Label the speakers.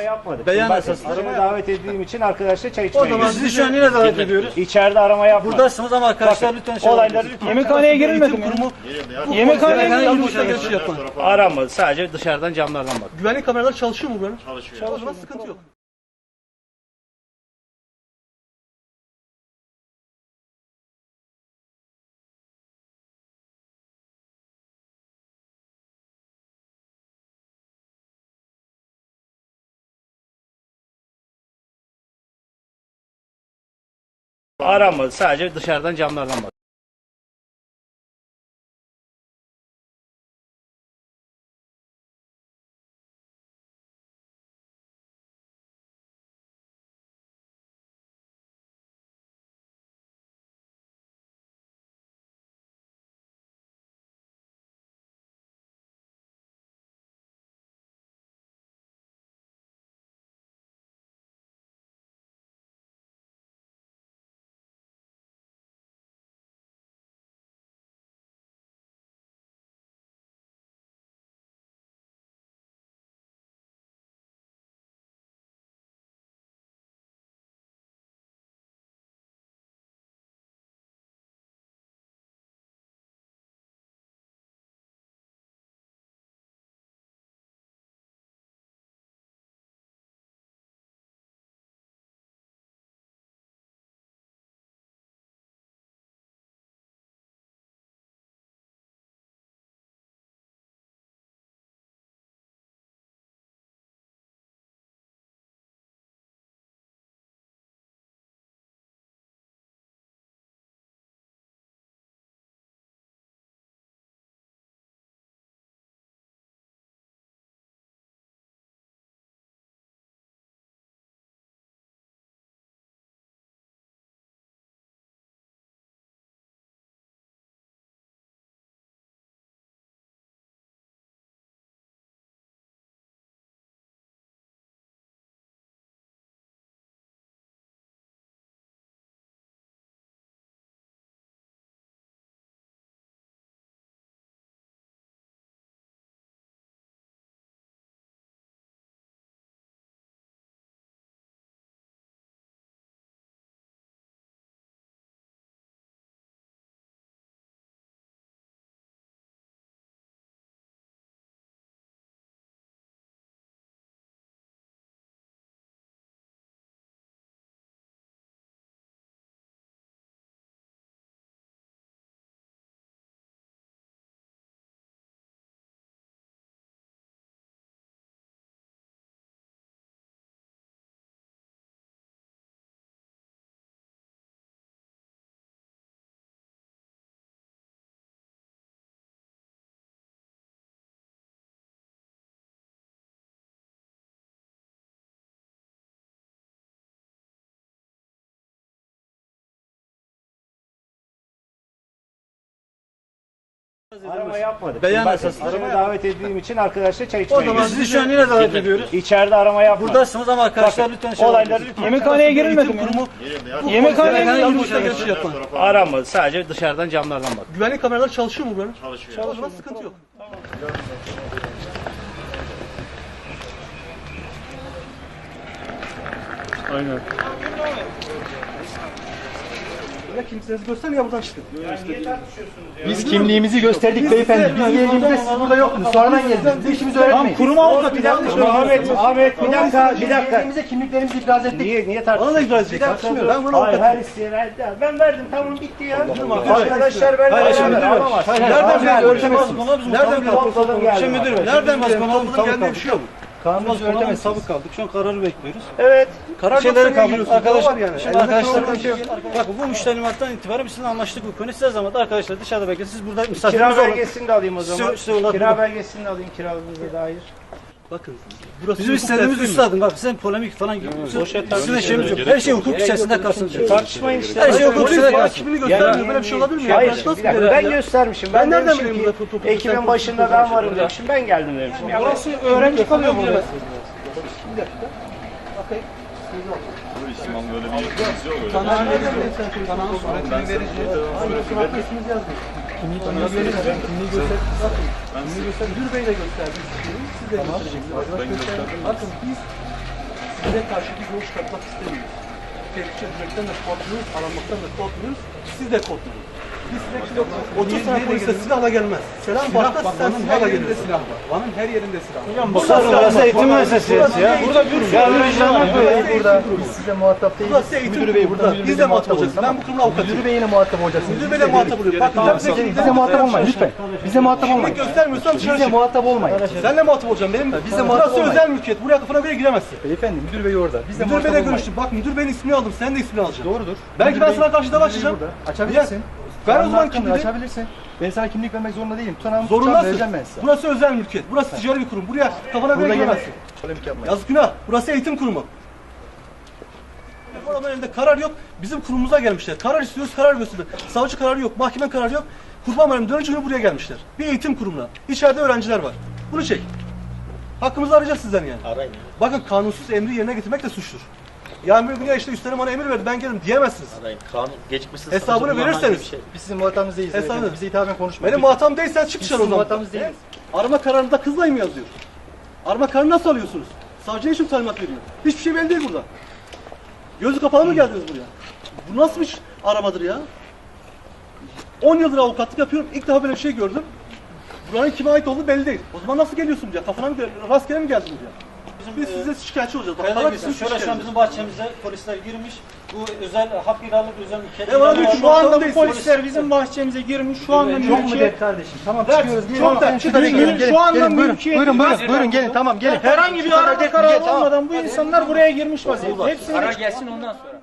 Speaker 1: Arama yapmadık.
Speaker 2: Beyan
Speaker 1: Bak,
Speaker 2: esaslı.
Speaker 1: arama davet edildiğim için arkadaşlar çay
Speaker 2: O
Speaker 1: içmeye
Speaker 2: zaman
Speaker 1: gidiyoruz.
Speaker 2: sizi şu an yine davet ediyoruz.
Speaker 1: İçeride arama yapmadık.
Speaker 2: Buradasınız ama arkadaşlar
Speaker 1: Bakın,
Speaker 2: lütfen şey
Speaker 1: olayları
Speaker 2: yapın.
Speaker 1: lütfen.
Speaker 3: Yemekhaneye girilmedi mi? Yemekhaneye
Speaker 2: Yemekhaneye
Speaker 3: girilmedi
Speaker 2: girişte geçiş yapın.
Speaker 1: Aramadı. Sadece dışarıdan camlardan bak.
Speaker 2: Güvenlik kameraları çalışıyor mu buranın?
Speaker 4: Çalışıyor.
Speaker 2: O zaman sıkıntı yok.
Speaker 1: Aramadı. Sadece dışarıdan camlardan bak. Arama yapmadık.
Speaker 2: Beyan
Speaker 1: Bak,
Speaker 2: esaslı.
Speaker 1: arama davet edildiğim için arkadaşlar çay
Speaker 2: O
Speaker 1: içmeye
Speaker 2: zaman
Speaker 1: gidiyoruz.
Speaker 2: sizi şu an yine davet ediyoruz.
Speaker 1: İçeride arama yapmadık.
Speaker 2: Buradasınız ama arkadaşlar
Speaker 1: Bakın,
Speaker 2: lütfen şey
Speaker 1: olayları
Speaker 2: yapın.
Speaker 1: lütfen.
Speaker 3: Yemekhaneye girilmedi mi? Yemekhaneye
Speaker 2: Yemekhaneye
Speaker 3: girilmedi
Speaker 2: girişte
Speaker 3: mi?
Speaker 2: geçiş yapın.
Speaker 1: Aramadı. Sadece dışarıdan camlardan bak.
Speaker 2: Güvenlik kameraları çalışıyor mu buranın?
Speaker 4: Çalışıyor.
Speaker 2: O zaman sıkıntı yok.
Speaker 4: Aynen.
Speaker 2: Ya kimsenizi göstermeyin ya buradan çıkın.
Speaker 5: Biz kimliğimizi gösterdik beyefendi. Biz geldiğimizde siz burada yoktunuz. Sonradan geldiniz. Bize işimizi öğretmeyin.
Speaker 1: Kurum avukatı bir dakika. Ahmet bir dakika.
Speaker 5: Geldiğimizde kimliklerimizi ifraz ettik.
Speaker 1: Niye
Speaker 2: Bana da
Speaker 1: tartışıyorsun?
Speaker 2: itiraz edecek. Tartışmıyorum. Ben bunu
Speaker 1: Hayır,
Speaker 2: avukatım.
Speaker 1: her isteğe verdi. Ben verdim, tamam, bitti ya.
Speaker 2: Hayır.
Speaker 1: Arkadaşlar ben
Speaker 2: Hayır, şimdi
Speaker 1: beraber
Speaker 2: müdür
Speaker 1: alamaz.
Speaker 2: ver. Nereden biliyorsun? Ölçemezsin. Nereden biliyorsun?
Speaker 1: Topladım geldim.
Speaker 2: Şimdi müdür ver.
Speaker 1: Nereden
Speaker 2: Nereden biliyorsun?
Speaker 1: biliyorsun?
Speaker 2: Kendine bir şey yok. Kanunumuz öğretemez. Sabık kaldık. Şu an kararı bekliyoruz.
Speaker 1: Evet.
Speaker 2: Karar şeyleri kaldı. Arkadaşlar
Speaker 5: yani.
Speaker 2: şimdi arkadaşlar bakın bu müştelimattan itibaren biz sizinle anlaştık bu konu. Size zaman arkadaşlar dışarıda bekleyin. Siz burada misafirimiz
Speaker 1: Kira
Speaker 2: olun.
Speaker 1: belgesini de alayım o zaman.
Speaker 2: Size ulaşın.
Speaker 1: Kira belgesini de alayım kiraladığınıza dair.
Speaker 2: Bakın. Bizim istediğimiz üstadım. Bak sen polemik falan sizin işimiz yok. Her şey hukuk içerisinde kalsın.
Speaker 1: Tartışmayın işte.
Speaker 2: Her şey hukuk içerisinde kalsın.
Speaker 5: Kimliği göstermiyor. Böyle bir şey olabilir mi? ya?
Speaker 1: Hayır,
Speaker 5: Nasıl
Speaker 1: bir dakika.
Speaker 5: böyle?
Speaker 1: Ben göstermişim.
Speaker 2: Ben nereden
Speaker 1: demişim
Speaker 2: bileyim
Speaker 1: ki,
Speaker 2: burada tutup
Speaker 1: ekibin başında ben varım demişim. Ben geldim demişim. Ya
Speaker 5: Burası öğrenci kalıyor burada.
Speaker 4: İsmail böyle bir yetkimiz yok öyle.
Speaker 5: Kanalın suretini verici. İsmimiz yazdık. Kimliği göster. Bakın. Müdür Bey de gösterdi. Siz de göstereceksiniz.
Speaker 4: Ben gösterdim.
Speaker 5: Bakın biz
Speaker 2: Size karşı bir yol çıkartmak istemiyoruz. Tehlike düşmekten de korkmuyoruz, aranmaktan da korkmuyoruz. Siz de korkmuyoruz. Biz sürekli 30 sene polise silahla gelmez. Selam başka sen silahla gelirsin.
Speaker 5: Van'ın her yerinde silah.
Speaker 2: Burası eğitim müessesesi ya.
Speaker 3: Burada bir sürü
Speaker 5: Burada biz size muhatap değiliz.
Speaker 2: Burası eğitim
Speaker 5: Müdür bey burada.
Speaker 2: Biz de muhatap olacaksın. Ben bu kurumla avukatıyım.
Speaker 5: Müdür beyle muhatap olacaksınız.
Speaker 2: Müdür beyle muhatap oluyor. Bak
Speaker 5: Bize muhatap olmayın lütfen. Bize muhatap olmayın.
Speaker 2: göstermiyorsan dışarı
Speaker 5: Bize
Speaker 2: çık.
Speaker 5: muhatap olmayın.
Speaker 2: Senle muhatap olacağım. Benim
Speaker 5: Bize muhatap
Speaker 2: burası
Speaker 5: olmayın.
Speaker 2: özel mülkiyet. Buraya kafana bile giremezsin.
Speaker 5: Beyefendi müdür bey orada. Bize
Speaker 2: Müdür
Speaker 5: muhatap
Speaker 2: beyle
Speaker 5: olmayın.
Speaker 2: görüştüm. Bak müdür beyin ismini aldım. Sen de ismini alacaksın.
Speaker 5: Doğrudur.
Speaker 2: Belki
Speaker 5: Müdür
Speaker 2: ben
Speaker 5: bey-
Speaker 2: sana karşı dava
Speaker 5: müdür bey
Speaker 2: açacağım.
Speaker 5: burada. Açabilirsin.
Speaker 2: Ben o
Speaker 5: Kanun
Speaker 2: zaman
Speaker 5: hakkında
Speaker 2: kimliği
Speaker 5: açabilirsin. Ben sana kimlik vermek zorunda değilim. Tutanağımı tutacağım,
Speaker 2: zorundasın.
Speaker 5: vereceğim ben size.
Speaker 2: Burası özel mülkiyet. Burası ticari bir kurum. Buraya kafana bile
Speaker 5: Burada
Speaker 2: giremezsin.
Speaker 5: Polemik yapmayın.
Speaker 2: Yazık günah. Burası eğitim kurumu. Bu adamın elinde karar yok. Bizim kurumumuza gelmişler. Karar istiyoruz, karar gösteriyor. Savcı kararı yok, mahkeme kararı yok. Kurban Bayramı dönünce günü buraya gelmişler. Bir eğitim kurumuna. İçeride öğrenciler var. Bunu çek. Hakkımızı arayacağız sizden yani.
Speaker 1: Arayın.
Speaker 2: Bakın kanunsuz emri yerine getirmek de suçtur. Yani bir gün ya işte üstlerim bana emir verdi ben gelirim diyemezsiniz.
Speaker 1: Arayın. Kanun gecikmişsiz.
Speaker 2: Hesabını verirseniz.
Speaker 5: Biz sizin muhatabınız değiliz.
Speaker 2: Hesabını-
Speaker 5: beyefendi. Bize hitaben konuşmayın.
Speaker 2: Benim muhatabım değilsen çık dışarı o
Speaker 5: Bizim
Speaker 2: zaman.
Speaker 5: muhatabımız değiliz.
Speaker 2: Arama kararında kızla mı yazıyor? Arama kararını nasıl alıyorsunuz? Savcıya için talimat veriyor. Hiçbir şey belli değil burada. Gözü kapalı mı geldiniz buraya? Bu nasıl bir aramadır ya? 10 yıldır avukatlık yapıyorum. İlk defa böyle bir şey gördüm. Buranın kime ait olduğu belli değil. O zaman nasıl geliyorsun buraya? Kafana mı rastgele mi geldin buraya? Biz size şikayetçi olacağız. Bak, para bizim
Speaker 6: Şöyle şu an bizim bahçemize polisler girmiş. Bu özel hak ihlalık özel
Speaker 2: Ne var diyor ki
Speaker 3: Şu anda bu
Speaker 2: değil.
Speaker 3: polisler bizim bahçemize girmiş. Şu anda
Speaker 5: Çok mu
Speaker 3: mülkiyet.
Speaker 5: der kardeşim? Tamam
Speaker 2: Evet,
Speaker 5: çıkıyoruz. Gelin.
Speaker 2: çok der.
Speaker 5: Gelin, şurada
Speaker 3: Gelin,
Speaker 5: gelin,
Speaker 3: şu anda
Speaker 5: gelin, buyurun,
Speaker 3: mülkiyet-
Speaker 5: buyurun gelin tamam gelin.
Speaker 3: Herhangi bir
Speaker 5: Şu kadar
Speaker 3: arama
Speaker 5: gelin,
Speaker 3: kararı
Speaker 5: tamam.
Speaker 3: olmadan bu insanlar buraya girmiş vaziyette. Hepsini
Speaker 6: Karar gelsin ondan sonra.